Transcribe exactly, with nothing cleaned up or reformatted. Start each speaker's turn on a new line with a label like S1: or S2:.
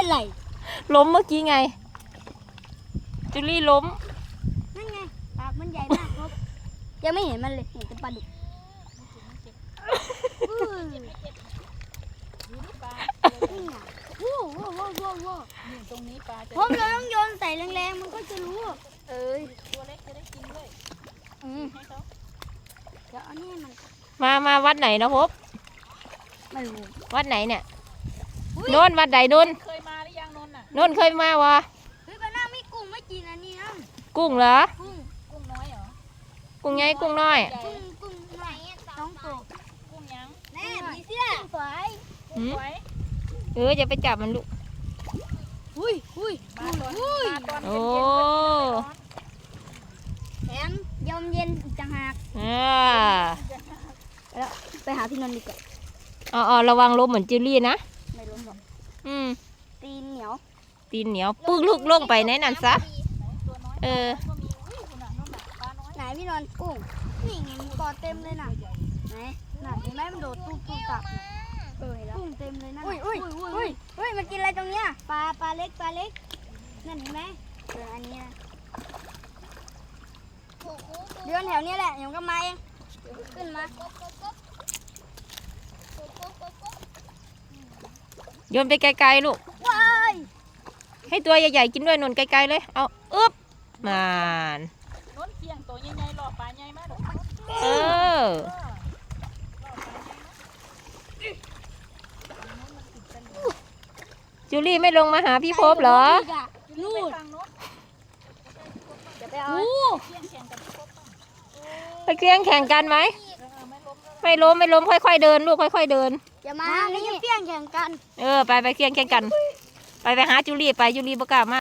S1: เป็นไร
S2: ล้มเมื่อกี้ไงจูลี่ล้ม
S1: นั่นไงปากมันใหญ่มากครับยังไม่เห็นมันเลยเห็นแต่ปลาดุกว้าวว้าวว้าวว้าวว้าวตรงนี้ปลาผมเราต้องโยนใส่แรงๆมันก็จะรู้เอ้ยตัวเล็กจะได้กินด้วยอืมเดี๋ยวเอานี่มัน
S2: มามาวัดไหนนะพบ
S1: ไม่รู้
S2: วัดไหนเนี่ยโน่นวัดไหนโน่น
S3: เคยมาหรือยังนนท์น่ะ
S2: โน่นเคยมาวะ
S1: เฮ้ยบ้านน้าไม่กุ้งไม่กินอันนี้นะ
S2: กุ้งเหรอ
S1: กุ้ง
S3: กุ้งน้อยเหรอ
S2: กุ้งใหญ่กุ้งน้อย
S1: กุ้งกุ้งไหนต้องโต
S3: กุ้งยัง
S1: แม่ผีเสื้อฝอย
S3: กุ้งฝอย
S2: เออจะไปจับมันลูก
S1: อุ้ยอุ้ย
S3: มาตอนมาตอนเ
S2: โอ้
S3: ย็น
S1: แถมยมเย็นอีกต่างหาก
S2: อ่า
S1: แล้วไปหาพี่นนท์ดีกว่า
S2: อ๋อระวังล้มเหมือนจิลลี่นะ
S1: ไม่ล้มหรอก
S2: อืม
S1: ตีนเหนียว
S2: ตีนเหนียวปึ๊กลูกลงไปในนั้นซะเออ
S1: ไหนพี่นนท์กุ้งนี่ไงมันกอเต็มเลยน่ะไหนน่ะเห็นไหมมันโดดตุ๊บตุ๊บตับเออกุ้งเต็มเลยนั่นอุ้ยอุ้ยอุ้ยอุ้ยมันกินอะไรตรงเนี้ยปลาปลาเล็กปลาเล็กนั่นเห็นไหมเอออันนี้นะเดือนแถวนี้แหละเดี๋ยวก็มาเองขึ้นมา
S2: โยนไปไกลๆลูก
S1: ว้าย
S2: ให้ตัวใหญ่ๆกินด้วยนนไกลๆเลยเอาอึ๊บมาน
S3: นนท์เคียงตัวใหญ่ๆหล่อปลาใหญ่มาก
S2: เออจูลี่ไม่ลงมาหาพี่พบเหรอ
S1: นู่น
S3: จะไปเอาเคียงแข่งกับพี่พบ
S2: ไปเคียงแข่งกันไหมไม่ล้มไม่ล้มค่อยๆเดินลูกค่อยๆเดิน
S1: อย่ามาไม่จะเพี้ยงแข่งกัน
S2: เออไปไปเคียงแข่งกันไปไปหาจูลี่ไปจูลี่ประกาศมา